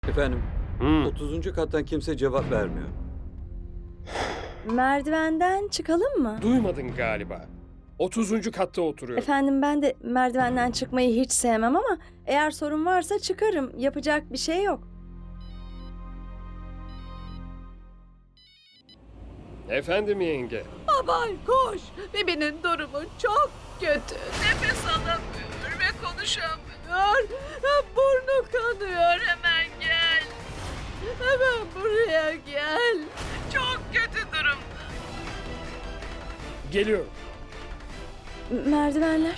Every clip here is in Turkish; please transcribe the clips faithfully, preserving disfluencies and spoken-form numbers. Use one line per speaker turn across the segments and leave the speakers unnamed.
Efendim,
Hmm.
otuzuncu kattan kimse cevap vermiyor.
Merdivenden çıkalım mı?
Duymadın galiba. otuzuncu katta oturuyorum.
Efendim ben de merdivenden çıkmayı hiç sevmem ama eğer sorun varsa çıkarım. Yapacak bir şey yok.
Efendim yenge.
Aman koş. Bebeğin durumu çok kötü. Nefes alamıyor ve konuşamıyor. Burnu kanıyor. Hemen gel. Hemen buraya gel. Çok kötü durumda.
Geliyorum.
M- Merdivenler.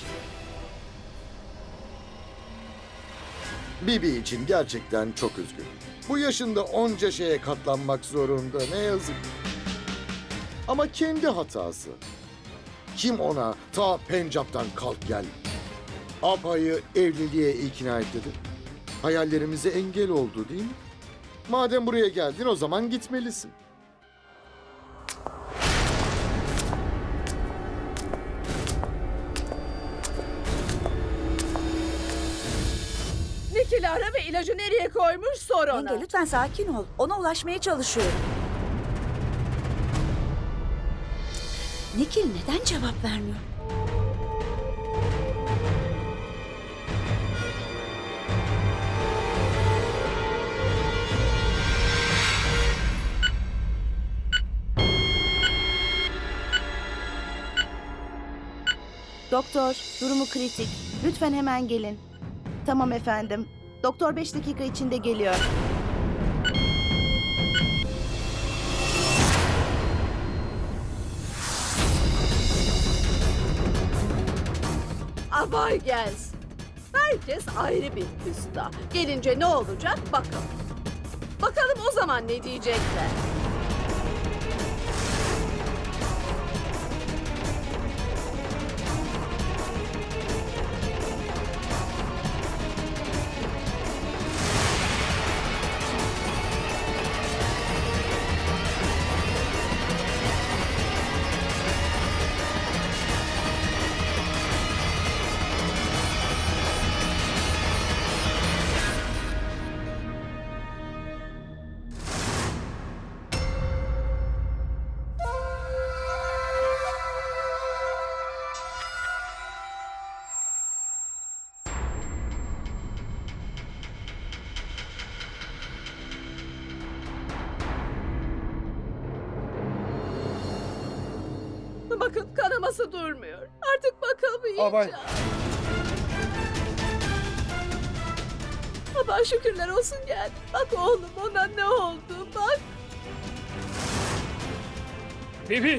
Bibi için gerçekten çok üzgünüm. Bu yaşında onca şeye katlanmak zorunda, ne yazık. Ama kendi hatası. Kim ona ta Pencap'tan kalk gel, Apa'yı evliliğe ikna et dedi. Hayallerimize engel oldu değil mi? Madem buraya geldin o zaman gitmelisin.
Nikil'i ara ve ilacı nereye koymuş sor ona.
Yenge lütfen sakin ol. Ona ulaşmaya çalışıyorum. Nikil neden cevap vermiyor?
Doktor, durumu kritik. Lütfen hemen gelin. Tamam efendim. Doktor beş dakika içinde geliyor.
Abay gelsin. Herkes ayrı bir küsta. Gelince ne olacak bakalım. Bakalım o zaman ne diyecekler. Bakın kanaması durmuyor. Artık bakamayacağım.
Abay.
Baba şükürler olsun geldi. Bak oğlum ona ne oldu bak.
Bibi.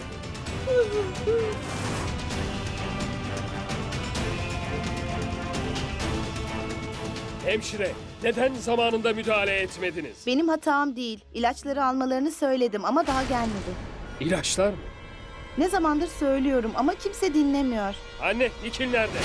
Hemşire, neden zamanında müdahale etmediniz?
Benim hatam değil. İlaçları almalarını söyledim ama daha gelmedi.
İlaçlar mı?
Ne zamandır söylüyorum ama kimse dinlemiyor.
Anne, Nikil nerede?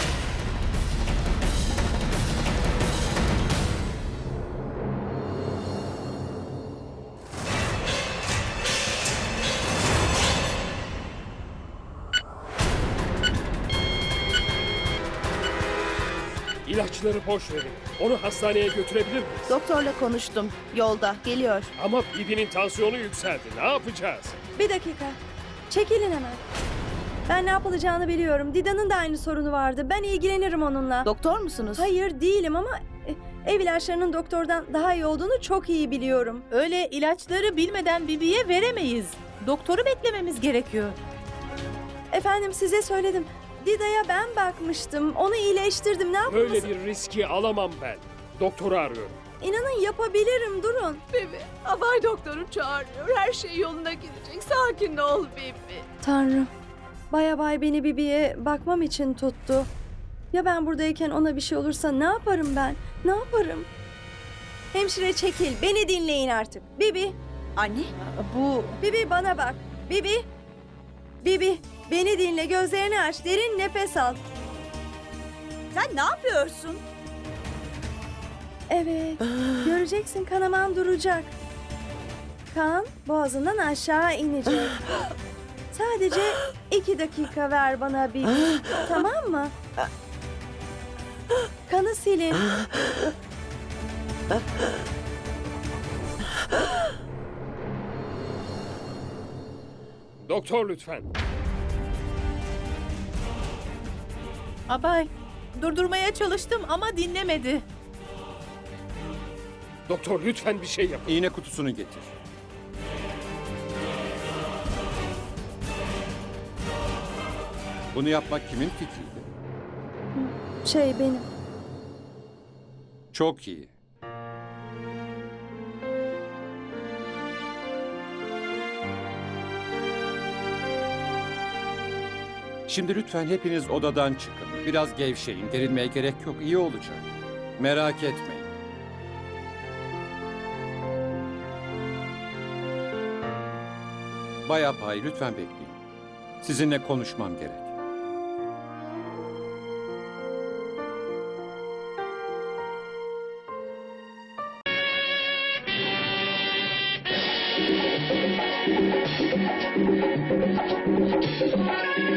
İlaçları boş verin. Onu hastaneye götürebilir miyiz?
Doktorla konuştum. Yolda. Geliyor.
Ama Bibi'nin tansiyonu yükseldi. Ne yapacağız?
Bir dakika. Çekilin hemen. Ben ne yapılacağını biliyorum. Dida'nın da aynı sorunu vardı. Ben ilgilenirim onunla.
Doktor musunuz?
Hayır değilim ama e, ev ilaçlarının doktordan daha iyi olduğunu çok iyi biliyorum.
Öyle ilaçları bilmeden Bibi'ye veremeyiz. Doktoru beklememiz gerekiyor.
Efendim size söyledim. Dida'ya ben bakmıştım. Onu iyileştirdim. Ne yapmalısın?
Böyle bir riski alamam ben. Doktoru arıyorum.
İnanın yapabilirim. Durun.
Bibi, abay doktoru çağırıyor. Her şey yoluna girecek. Sakin ol Bibi.
Tanrım. Baya bay beni Bibi'ye bakmam için tuttu. Ya ben buradayken ona bir şey olursa ne yaparım ben? Ne yaparım? Hemşire çekil. Beni dinleyin artık. Bibi.
Anne,
Bu
Bibi bana bak. Bibi. Bibi. Beni dinle. Gözlerini aç. Derin nefes al.
sen ne yapıyorsun?
Evet. Göreceksin kanaman duracak. Kan boğazından aşağı inecek. Sadece iki dakika ver bana Bibi. Tamam mı? Kanı silin.
Doktor lütfen.
Abay, durdurmaya çalıştım ama dinlemedi.
Doktor lütfen bir şey yapın.
İğne kutusunu getir. Bunu yapmak kimin fikriydi?
Şey benim.
Çok iyi. Şimdi lütfen hepiniz odadan çıkın. Biraz gevşeyin. Gerilmeye gerek yok. İyi olacak. Merak etmeyin. Bay Apay, lütfen bekleyin. Sizinle konuşmam gerek.
Thank you.